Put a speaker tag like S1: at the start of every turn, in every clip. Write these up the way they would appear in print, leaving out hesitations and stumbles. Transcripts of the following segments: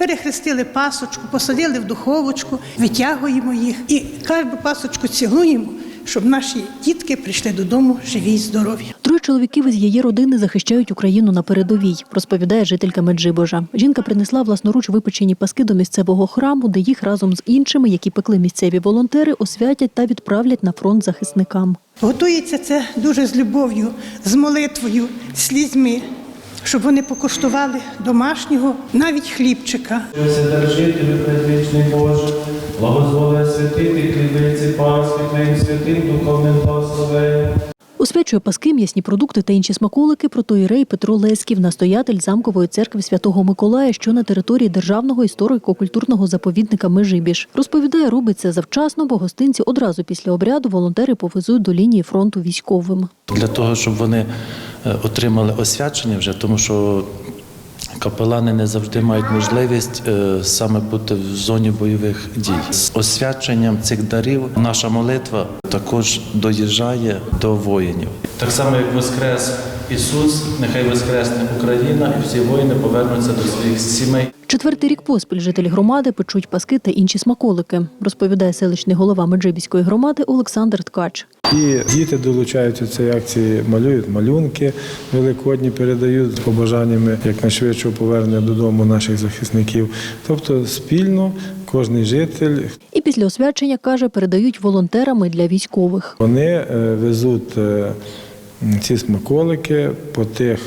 S1: перехрестили пасочку, посадили в духовочку, витягуємо їх і кожну пасочку цілуємо, щоб наші дітки прийшли додому живі й здорові.
S2: 3 чоловіків із її родини захищають Україну на передовій, розповідає жителька Меджибожа. Жінка принесла власноруч випечені паски до місцевого храму, де їх разом з іншими, які пекли місцеві волонтери, освятять та відправлять на фронт захисникам.
S1: Готується це дуже з любов'ю, з молитвою, слізьми, щоб вони покуштували домашнього, навіть хлібчика.
S3: Вседержителю предвічний Боже, благозволи святити хлібиці Пасхи Твоїм святим духовним благословенням.
S2: Освячує паски, м'ясні продукти та інші смаколики протоієрей Петро Леськів, настоятель Замкової церкви Святого Миколая, що на території Державного історико-культурного заповідника Межибіж. Розповідає, робить це завчасно, бо гостинці одразу після обряду волонтери повезуть до лінії фронту військовим.
S4: Для того, щоб вони отримали освячення вже, тому що капелани не завжди мають можливість саме бути в зоні бойових дій. З освяченням цих дарів наша молитва також доїжджає до воїнів. Так само, як воскрес Ісус, нехай воскресне Україна і всі воїни повернуться до своїх сімей.
S2: 4-й рік поспіль жителі громади печуть паски та інші смаколики, розповідає селищний голова Меджибіської громади Олександр Ткач.
S5: І діти долучаються до цієї акції, малюють малюнки великодні, передають з побажаннями якнайшвидшого повернення додому наших захисників. Тобто спільно кожен житель.
S2: І після освячення, каже, передають волонтерами для військових.
S5: Вони везуть ці смаколики по тих,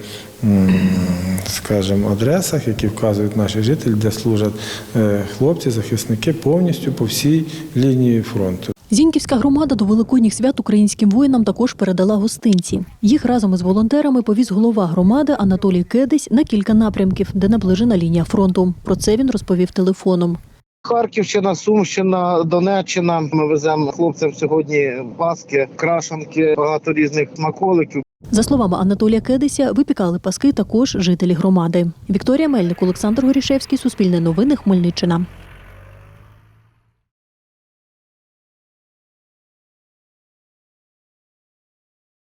S5: скажімо, адресах, які вказують наші жителі, де служать хлопці, захисники повністю по всій лінії фронту.
S2: Зіньківська громада до великодніх свят українським воїнам також передала гостинці. Їх разом із волонтерами повіз голова громади Анатолій Кедись на кілька напрямків, де наближена лінія фронту. Про це він розповів телефоном.
S6: Харківщина, Сумщина, Донеччина. Ми веземо хлопцям сьогодні паски, крашанки, багато різних смаколиків.
S2: За словами Анатолія Кедися, випікали паски також жителі громади. Вікторія Мельник, Олександр Горішевський, Суспільне новини, Хмельниччина.